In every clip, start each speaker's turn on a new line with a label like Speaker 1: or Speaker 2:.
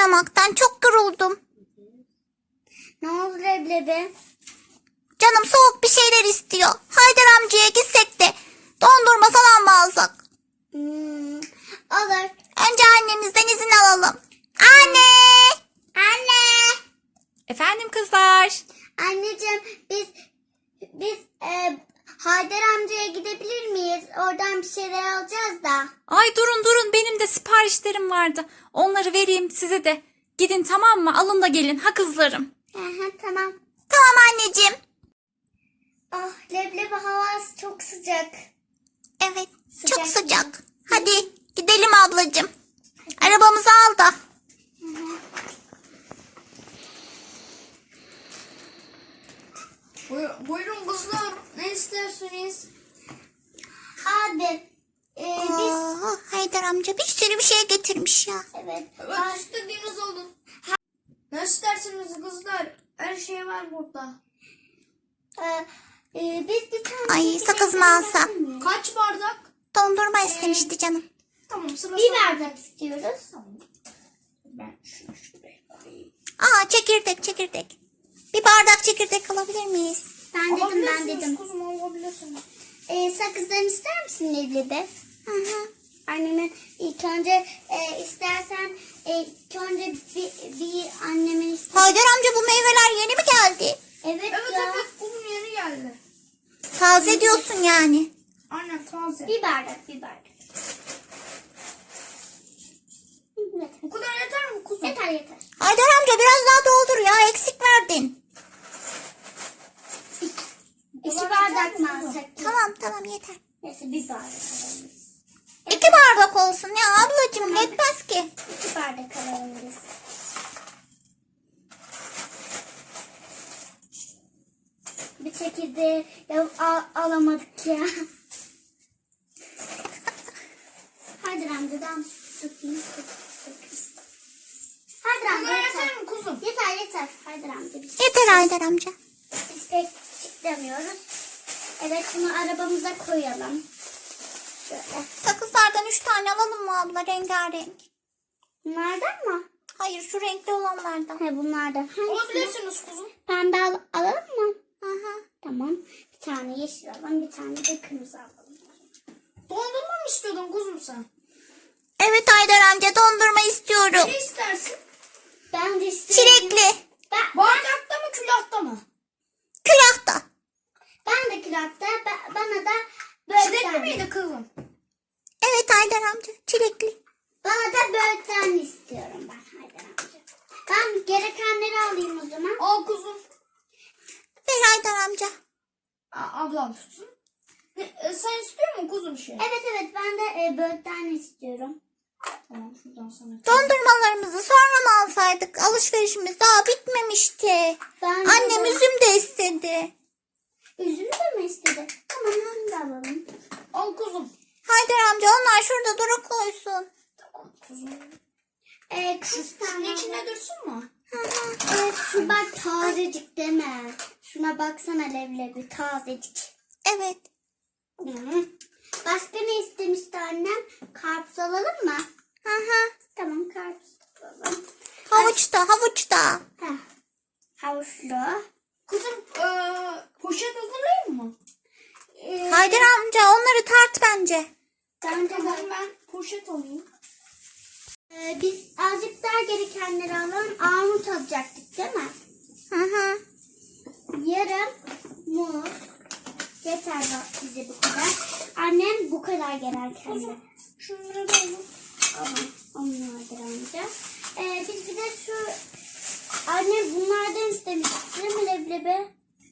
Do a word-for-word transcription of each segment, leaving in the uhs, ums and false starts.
Speaker 1: oynamaktan çok yoruldum.
Speaker 2: Ne oldu leblebi?
Speaker 1: Canım soğuk bir şeyler istiyor. Haydar amcaya gitsek de dondurma falan mı alsak?
Speaker 2: Hmm, olur.
Speaker 1: Önce annemizden izin alalım. Anne!
Speaker 2: Anne!
Speaker 3: Efendim kızlar.
Speaker 2: Anneciğim biz biz e, Haydar amcaya gidebilir miyiz? Oradan bir şeyler alacağız da.
Speaker 3: Ay durun durun benim de siparişlerim vardı. Onları vereyim size de. Gidin tamam mı? Alın da gelin ha kızlarım.
Speaker 2: Aha, tamam.
Speaker 1: Tamam anneciğim.
Speaker 2: Ah leblebi havası çok sıcak.
Speaker 1: Evet,
Speaker 2: Sıcak
Speaker 1: çok
Speaker 2: mı?
Speaker 1: sıcak. Hadi gidelim ablacığım. Arabamızı al da.
Speaker 4: Buyur, buyurun kızlar. Ne istersiniz?
Speaker 2: Abi e, biz
Speaker 1: Oo, Haydar amca bir sürü bir şey getirmiş ya.
Speaker 2: evet.
Speaker 4: Evet
Speaker 2: Ha-
Speaker 4: istediğiniz alın. Ne istersiniz kızlar? Her şey var burada.
Speaker 2: e, e, biz bir tane
Speaker 1: Ay,
Speaker 2: çekirdek
Speaker 1: sakız mı alsam?
Speaker 2: alabilir miyiz?
Speaker 4: Kaç bardak?
Speaker 1: Dondurma istemişti canım.
Speaker 4: Tamam sıra
Speaker 2: Bir
Speaker 4: sana.
Speaker 2: bardak istiyoruz.
Speaker 4: Ben şunu şuraya koyayım.
Speaker 1: Aa, çekirdek çekirdek. Bir bardak çekirdek alabilir miyiz?
Speaker 2: Ben dedim ben
Speaker 4: Alabilirsiniz
Speaker 2: dedim.
Speaker 4: kuzum alabilirsiniz.
Speaker 2: E, sakızdan ister misin leblebi?
Speaker 1: Hı hı.
Speaker 2: Annemin ilk önce e, istersen e, ilk önce bir, bir annemin iste-
Speaker 1: Haydar amca bu meyveler yeni mi geldi?
Speaker 2: Evet,
Speaker 4: Evet
Speaker 2: ya.
Speaker 4: evet kuzum yeni geldi.
Speaker 1: Taze diyorsun yani.
Speaker 4: Aynen taze.
Speaker 2: Bir bardak bir bardak. Evet.
Speaker 4: Bu kadar yeter mi kuzum?
Speaker 2: Yeter yeter.
Speaker 1: Haydar amca biraz daha doldur ya, eksik verdin.
Speaker 2: İki
Speaker 4: kadar
Speaker 2: bardak
Speaker 4: yeter
Speaker 2: mı
Speaker 4: mi kuzum?
Speaker 2: alsak?
Speaker 1: Tamam tamam yeter.
Speaker 2: Neyse bir bardak alalım.
Speaker 1: İki bardak olsun ya ablacığım, yetmez ki.
Speaker 2: İki bardak alalım biz. Bir çekirdeği ya, al, alamadık ya. Hadi amcadan tutayım. Hadi
Speaker 4: Bu
Speaker 2: amca
Speaker 4: kadar
Speaker 2: yeter.
Speaker 4: yeter mi kuzum?
Speaker 2: Yeter yeter. Hadi amca biz,
Speaker 1: Yeter Haydar amca.
Speaker 2: biz pek çıkmıyoruz. Evet bunu arabamıza koyalım. Şöyle.
Speaker 1: Sakızlardan üç tane alalım mı abla, rengarenk?
Speaker 2: Bunlardan mı?
Speaker 1: Hayır, şu renkli olanlardan.
Speaker 2: He bunlardan. Hangisini?
Speaker 4: Alabilirsiniz kuzum.
Speaker 2: Pembe al alalım mı?
Speaker 1: Hı hı.
Speaker 2: Tamam. Bir tane yeşil alalım, bir tane de kırmızı alalım.
Speaker 4: Dondurma mı istiyordun kuzum sen?
Speaker 1: Evet Haydar amca, dondurma istiyorum.
Speaker 4: Ne istersin?
Speaker 2: Ben de istiyorum.
Speaker 1: Çilekli.
Speaker 2: Ben,
Speaker 4: Bardakta mı külahta mı?
Speaker 1: Külahta.
Speaker 2: ben de külahta, ba- bana da böyle
Speaker 4: Çilekli
Speaker 2: tane.
Speaker 4: miydi kızım?
Speaker 1: Evet Haydar amca, çilekli.
Speaker 2: Bana da böyle tane istiyorum ben Haydar amca. Ben gerekenleri alayım o zaman.
Speaker 4: Al kuzum.
Speaker 1: Ver Haydar amca.
Speaker 4: A- ablam tutsun. E, e, sen istiyor musun kuzum şey?
Speaker 2: Evet evet ben de e, böyle tane istiyorum.
Speaker 4: Tamam şuradan sana.
Speaker 1: Dondurmalarımızı sonra mı alsaydık? Alışverişimiz daha bitmemişti.
Speaker 2: Ben de
Speaker 1: Annem
Speaker 2: böyle-
Speaker 1: üzüm de istedi.
Speaker 2: Üzümü de mi istedi? Tamam onu da alalım.
Speaker 4: Al kuzum.
Speaker 1: Haydar amca, onlar şurada dura koysun.
Speaker 4: Tamam kuzum.
Speaker 2: E, kaç
Speaker 4: Şunun
Speaker 2: tane
Speaker 4: içine
Speaker 2: alalım?
Speaker 4: dursun mu?
Speaker 2: Evet şu bak tazecik deme. Şuna baksana leblebi tazecik.
Speaker 1: Evet.
Speaker 2: Hı. Başka ne istemişti annem? Karpuz alalım mı?
Speaker 1: Hı hı.
Speaker 2: Tamam karpuz alalım.
Speaker 1: Havuç da, havuç da.
Speaker 2: Heh. Havuçlu.
Speaker 4: Kuzum e, poşet hazırlayayım mı?
Speaker 2: Ee,
Speaker 1: Haydar amca, onları tart bence.
Speaker 2: bence
Speaker 4: Tamam
Speaker 2: de-
Speaker 4: ben poşet alayım.
Speaker 2: Ee, biz azıcık daha gerekenleri alalım. Armut alacaktık değil mi?
Speaker 1: Hı hı.
Speaker 2: Yarım muz. Yeter bak bize bu kadar. Annem bu kadar gerekenleri.
Speaker 4: Şunları da alayım.
Speaker 2: Tamam. Onlardır amca. Ee, biz bir de şu annem bunlardan istemişti değil mi leblebi?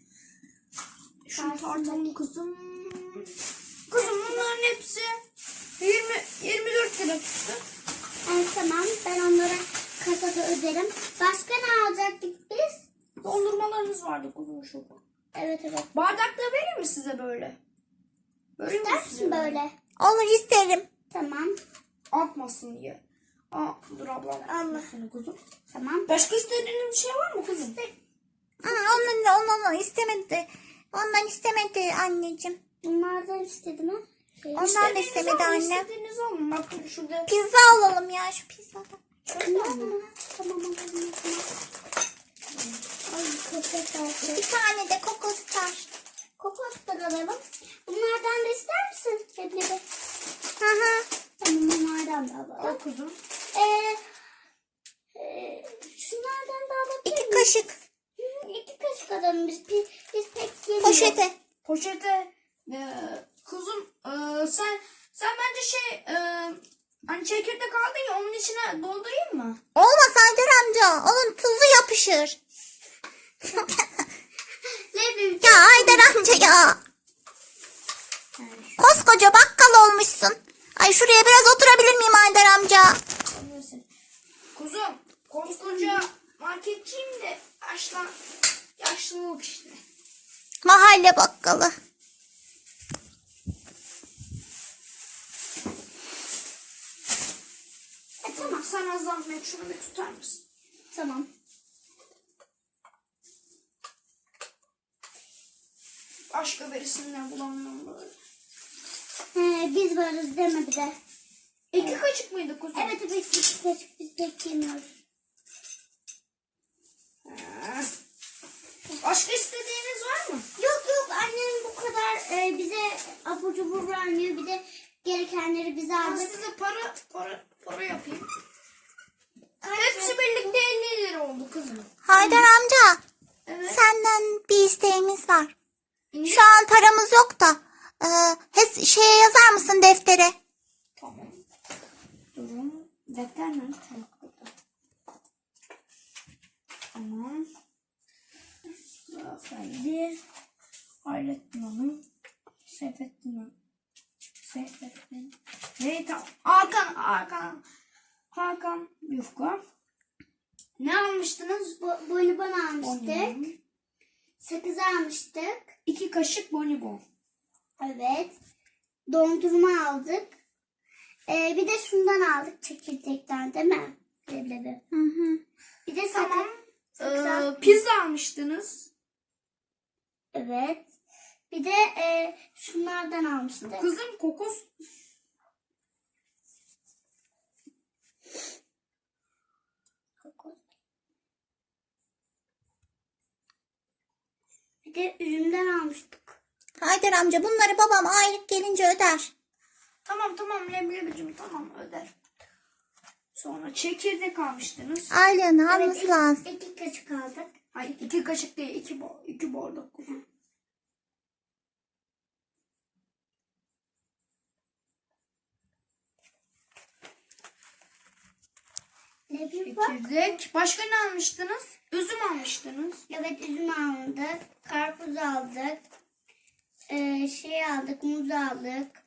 Speaker 4: Şunu tartalım kızım. Kızım bunların hepsi yirmi yirmi dört lira tuttu.
Speaker 2: Evet tamam ben onlara kasada öderim. Başka ne alacaktık biz?
Speaker 4: Dondurmalarınız vardı kuzum şurada.
Speaker 2: Evet evet.
Speaker 4: Bardakta vereyim mi size böyle? Böyle mi
Speaker 2: İster
Speaker 4: size
Speaker 2: misin böyle?
Speaker 1: Olur, isterim.
Speaker 2: Tamam.
Speaker 4: Akmasın diye. Aa, dur ablam.
Speaker 2: Allah.
Speaker 4: Seni kuzum.
Speaker 2: Tamam.
Speaker 4: Başka istediğiniz bir şey var mı kuzum?
Speaker 1: Hı, ondan, ondan istemedi. Ondan istemedi anneciğim.
Speaker 2: Bunlardan istedi mi? Şey,
Speaker 1: Ondan da
Speaker 4: İstediğiniz
Speaker 1: istemedi
Speaker 4: alın,
Speaker 1: annem.
Speaker 4: İstediğiniz alın. Bakın şurada.
Speaker 1: Pizza alalım ya, şu pizzadan.
Speaker 2: Tamam mı? Tamam alalım. Ay köpek artık.
Speaker 1: Bir tane de kokostar.
Speaker 2: Kokoslar alalım. Bunlardan da ister misin? Leblebi.
Speaker 1: Hı hı.
Speaker 2: Tamam bunlardan da alalım.
Speaker 4: Al kuzum.
Speaker 2: Ee, e, şunlardan da alabilir
Speaker 1: İki
Speaker 2: miyim?
Speaker 1: kaşık
Speaker 2: Hı, İki kaşık alalım biz. Biz, biz pek yemiyoruz.
Speaker 1: poşete.
Speaker 4: Poşete. Ee, kuzum e, sen sen bence şey e, hani çekirdek aldın ya onun içine doldurayım mı?
Speaker 1: Olmaz Haydar amca. Onun tuzu yapışır.
Speaker 2: Leblebi.
Speaker 1: Ya Haydar amca ya. Koskoca bakkal olmuşsun. Ay şuraya biraz oturabilir miyim Haydar amca?
Speaker 4: Neyse. Kuzum koskoca marketçiyim de yaşlan, yaşlılık işte.
Speaker 1: Mahalle bakkalı.
Speaker 4: E, tamam sana zahmet şunu bir tutar mısın?
Speaker 2: Tamam.
Speaker 4: Başka birisinden bulamıyorum böyle.
Speaker 2: He, biz varız deme bir de.
Speaker 4: İki kaşık mıydı kuzum?
Speaker 2: Evet evet iki kaşık biz pek yemiyoruz.
Speaker 4: Ha. Başka istediğiniz var mı?
Speaker 2: Yok yok annem bu kadar e, bize abur cubur vermiyor. Bir de gerekenleri bize
Speaker 4: Ben
Speaker 2: aldık.
Speaker 4: size para para para yapayım.
Speaker 2: Kaç
Speaker 4: Hepsi
Speaker 2: lira?
Speaker 4: birlikte elli lira oldu kızım.
Speaker 1: Haydar amca.
Speaker 4: Evet.
Speaker 1: Senden bir isteğimiz var. Şu an paramız yok da. E, hes- şeye yazar mısın deftere?
Speaker 4: Tamam. Durun. Defter mi? Tamam. Tamam. Efendi. Hayrettin Hanım. Seyfettin Hanım. Seyfettin. Ne tamam. Hakan. Hakan. Hakan Yufka. Ne almıştınız?
Speaker 2: Bo bonibon almıştık.
Speaker 4: Bonibon.
Speaker 2: Sakız almıştık.
Speaker 4: İki kaşık bonibon.
Speaker 2: Evet. Dondurma aldık. Ee, bir de şundan aldık çekirdekten değil mi? Leblebi.
Speaker 1: Hı hı.
Speaker 2: Bir de sakız.
Speaker 4: Tamam.
Speaker 2: sakız al-
Speaker 4: Ee, pizza almıştınız.
Speaker 2: Evet. Bir de e, şunlardan almıştık.
Speaker 4: Kızım kokos.
Speaker 2: Bir de üzümden almıştık.
Speaker 1: Haydar amca bunları babam aylık gelince öder.
Speaker 4: Tamam tamam leblebicim tamam öder. Sonra çekirdek almıştınız.
Speaker 1: Aylığını alması
Speaker 2: iki,
Speaker 1: lazım.
Speaker 2: iki kaşık aldık.
Speaker 4: Hayır iki kaşık değil iki, bo iki bardak kuzum.
Speaker 2: Leblebi bak.
Speaker 4: Çekirdek. Başka ne almıştınız? Üzüm almıştınız.
Speaker 2: Evet üzüm aldık. Karpuz aldık. Ee, şey aldık. Muz aldık.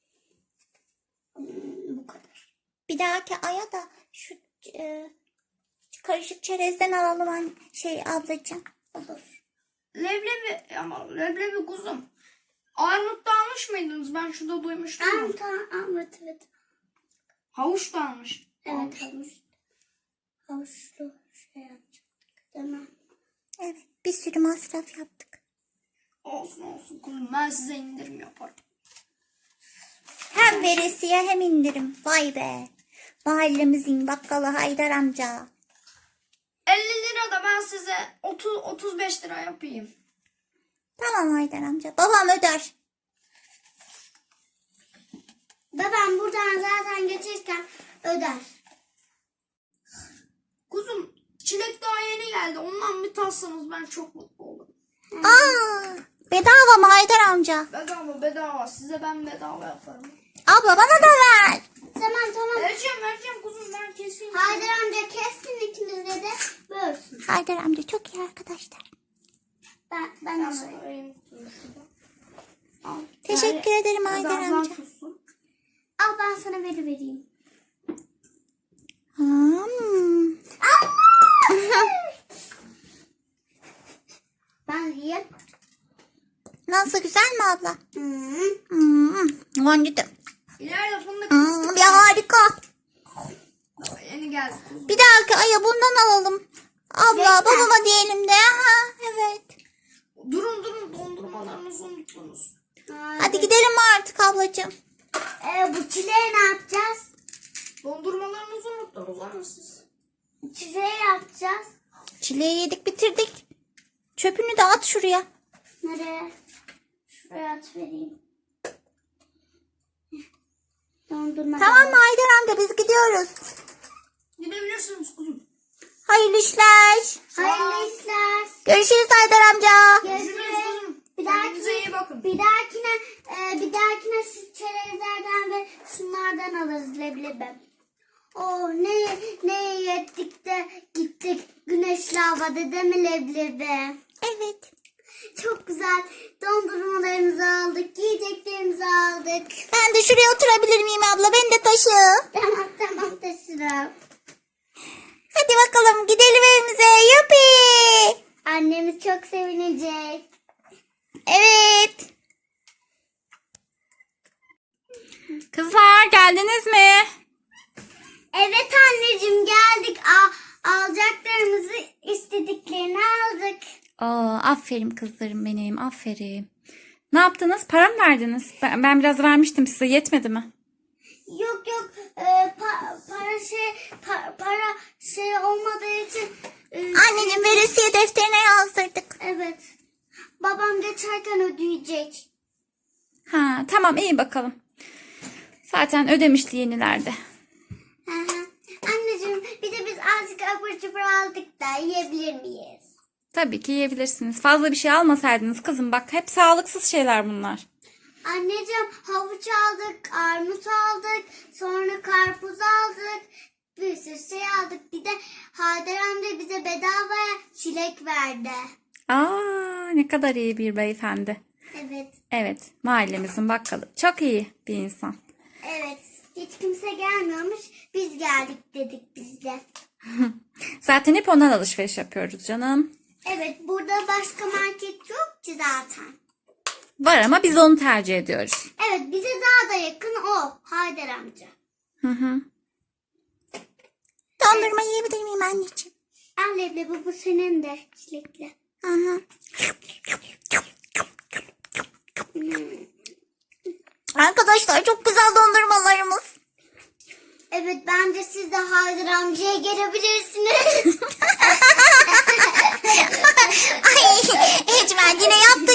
Speaker 2: Hmm, bu kadar.
Speaker 1: Bir dahaki aya da şu e, karışık çerezden alalım anne, şey ablacığım.
Speaker 2: Olur.
Speaker 4: Leblebi ama leblebi kuzum. Armut da almış mıydınız? Ben şurada duymuştum. ama.
Speaker 2: Tamam tamam. Evet evet.
Speaker 4: Havuç da almış.
Speaker 2: Evet havuç. Havuçlu şey yapacaktık. Değil mi?
Speaker 1: Evet bir sürü masraf yaptık.
Speaker 4: Olsun olsun kuzum ben size indirim yaparım.
Speaker 1: Hem veresiye hem indirim. Vay be. Mahallemizin bakkalı Haydar amca.
Speaker 4: elli lira da ben size otuz otuz beş lira yapayım.
Speaker 1: Tamam Haydar amca. Babam öder.
Speaker 2: Babam buradan zaten geçerken öder.
Speaker 4: Kuzum çilek daha yeni geldi. Ondan bir tatsanız ben çok mutlu olurum.
Speaker 1: Aa, bedava mı Haydar amca?
Speaker 4: Bedava bedava. Size ben bedava yaparım.
Speaker 1: Abla bana da ver.
Speaker 2: Tamam tamam.
Speaker 4: Vereceğim vereceğim kuzum ben keseyim.
Speaker 2: Haydar amca kessin ikimize de bölsün.
Speaker 1: Haydar amca çok iyi arkadaşlar.
Speaker 2: Ben, ben
Speaker 4: Ben
Speaker 2: de
Speaker 4: sana
Speaker 2: böyle.
Speaker 4: vereyim. Dur şurada. Al.
Speaker 1: Teşekkür ederim
Speaker 4: Hadi
Speaker 1: Haydar
Speaker 4: ablan
Speaker 1: amca.
Speaker 4: tutsun.
Speaker 2: Al ben sana veri vereyim.
Speaker 1: Hmm.
Speaker 2: Ben yiyeyim.
Speaker 1: Nasıl güzel mi abla?
Speaker 2: Hmm.
Speaker 1: Hmm. Bence de.
Speaker 4: İleride fındık
Speaker 1: Hmm,
Speaker 4: fıstık.
Speaker 1: bir harika.
Speaker 4: Yeni geldi kuzum.
Speaker 1: Bir dahaki aya bundan alalım. Abla
Speaker 2: Yeter.
Speaker 1: babama diyelim de. Ha, evet.
Speaker 4: Durun durun dondurmalarınızı unuttunuz.
Speaker 1: Hadi gidelim mi artık ablacığım?
Speaker 2: Ee, bu çileği ne yapacağız?
Speaker 4: Dondurmalarınızı unuttunuz ama siz.
Speaker 2: Çileği yapacağız.
Speaker 1: Çileği yedik bitirdik. Çöpünü de at şuraya.
Speaker 2: Nereye? Şuraya at vereyim. Dondurma.
Speaker 1: Tamam mı Haydar amca biz gidiyoruz.
Speaker 4: Gidebilirsiniz kuzum.
Speaker 1: Hayırlı işler.
Speaker 2: Hayırlı işler.
Speaker 1: Görüşürüz Haydar amca.
Speaker 4: Görüşürüz
Speaker 2: Görüşürüz.
Speaker 4: kuzum.
Speaker 2: Bir
Speaker 4: Kendinize
Speaker 2: dahakine,
Speaker 4: iyi bakın.
Speaker 2: bir dahakine, e, bir dahakine şu çerezlerden ve şunlardan alırız leblebi. Oh ne ne yettik de gittik güneşli havada değil mi leblebi?
Speaker 1: Evet.
Speaker 2: Çok güzel dondurmalarımızı aldık, yiyeceklerimizi aldık.
Speaker 1: Ben de şuraya oturabilir miyim abla? Ben de taşı.
Speaker 2: Tamam tamam taşırım.
Speaker 1: Hadi bakalım gidelim evimize. Yuppie.
Speaker 2: Annemiz çok sevinecek.
Speaker 1: Evet.
Speaker 3: Kızlar geldiniz mi?
Speaker 2: Evet anneciğim geldik. Al, alacaklarımızı istediklerini aldık.
Speaker 3: Aa, aferin kızlarım benim, aferin. Ne yaptınız? Para mı verdiniz? Ben, ben biraz vermiştim size, yetmedi mi?
Speaker 2: Yok yok e, pa- para şey pa- para şey olmadığı için e,
Speaker 1: Anneciğim veresiye defterine yazdırdık.
Speaker 2: evet babam geçerken ödeyecek.
Speaker 3: Ha, tamam iyi bakalım. Zaten ödemişti yenilerde.
Speaker 2: Hı hı. Anneciğim bir de biz azıcık abur cubur aldık da yiyebilir miyiz?
Speaker 3: Tabii ki yiyebilirsiniz. Fazla bir şey almasaydınız kızım, bak hep sağlıksız şeyler bunlar.
Speaker 2: Anneciğim havuç aldık, armut aldık, sonra karpuz aldık, bir sürü şey aldık. Bir de Haydar amca bize bedavaya çilek verdi.
Speaker 3: Aa, ne kadar iyi bir beyefendi.
Speaker 2: Evet,
Speaker 3: Evet, mahallemizin bakkalı. Çok iyi bir insan.
Speaker 2: evet. Hiç kimse gelmiyormuş, biz geldik dedik biz de.
Speaker 3: Zaten hep ondan alışveriş yapıyoruz canım.
Speaker 2: Evet, burada başka market yok ki zaten.
Speaker 3: Var ama biz onu tercih ediyoruz.
Speaker 2: Evet, bize daha da yakın o, Haydar amca.
Speaker 3: Hı hı.
Speaker 1: Dondurma yiyebilir miyim anneciğim?
Speaker 2: Al leblebi, bu senin de çilekli.
Speaker 1: Hı hı. Arkadaşlar çok güzel dondurmalarımız.
Speaker 2: Evet, bence siz de Haydar amcaya gelebilirsiniz.
Speaker 1: Ay Ecmen yine yaptın